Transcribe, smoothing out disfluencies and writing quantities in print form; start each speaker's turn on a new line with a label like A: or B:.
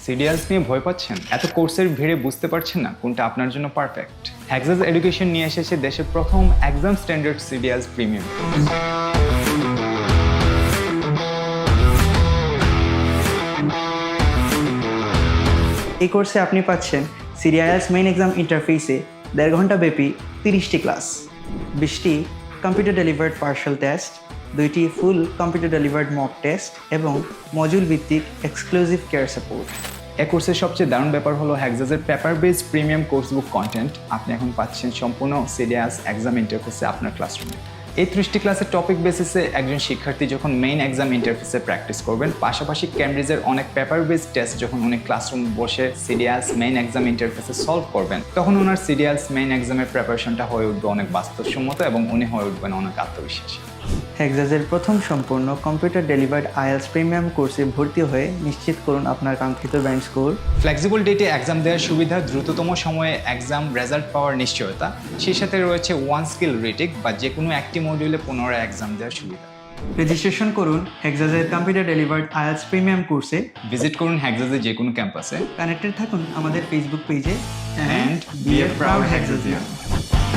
A: সিডিএলস নিয়ে ভয় পাচ্ছেন? এত কোর্সের ভিড়ে বুঝতে পারছেন না কোনটা আপনার জন্য পারফেক্ট? হ্যাক্সাস এডুকেশন নিয়ে এসেছে দেশের প্রথম এক্সাম স্ট্যান্ডার্ড সিডিএলস প্রিমিয়াম।
B: এই কোর্সে আপনি পাচ্ছেন সিডিআইএলস মেইন এক্সাম ইন্টারফেসে 1.5 ঘন্টা ব্যাপী 30টি ক্লাস, 20টি কম্পিউটার ডেলিভার্ড পার্শাল টেস্ট, 2টি full computer delivered mock test এবং মডিউল ভিত্তিক এক্সক্লুসিভ কেয়ার সাপোর্ট।
A: এই কোর্সের সবচেয়ে দারুণ ব্যাপার হলো হ্যাক্সাসের paper base premium course book content আপনি এখন পাচ্ছেন সম্পূর্ণ সিডিএলস এক্সাম ইন্টারফেসে আপনার ক্লাসরুমে। এই 30টি ক্লাসের টপিক বেসিসে একজন শিক্ষার্থী যখন মেইন এক্সাম ইন্টারফেসে প্র্যাকটিস করবেন, পাশাপাশি ক্যামব্রিজের অনেক পেপার বেস টেস্ট যখন উনি ক্লাসরুম বসে সিডিএলস মেইন এক্সাম ইন্টারফেসে সলভ করবেন, তখন ওনার সিডিএলস মেইন এক্সামের প্রিপারেশনটা হয়ে উঠবে অনেক বাস্তবসম্মত এবং উনি হয়ে উঠবেন অনেক আত্মবিশ্বাসী।
B: হ্যাক্সাসের প্রথম সম্পূর্ণ কম্পিউটার ডেলিভার্ড আইএলস প্রিমিয়াম কোর্সে ভর্তি হয়ে নিশ্চিত করুন আপনার কাঙ্ক্ষিত ব্যান্ড স্কোর।
A: ফ্লেক্সিবল ডেটে এক্সাম দেওয়ার সুবিধা, দ্রুততম সময়ে এক্সাম রেজাল্ট পাওয়ার নিশ্চয়তা, সেই সাথে রয়েছে ওয়ান স্কিল রিটেক বা যে কোনো একটি মডিউলে পুনরায় এক্সাম দেওয়ার সুবিধা।
B: রেজিস্ট্রেশন করুন হ্যাক্সাসের কম্পিউটার ডেলিভার্ড আইএলস প্রিমিয়াম কোর্সে।
A: ভিজিট করুন হ্যাক্সাসের যে কোনো ক্যাম্পাসে।
B: কানেক্টেড থাকুন আমাদের ফেসবুক পেজে
A: And be a proud Hexasian.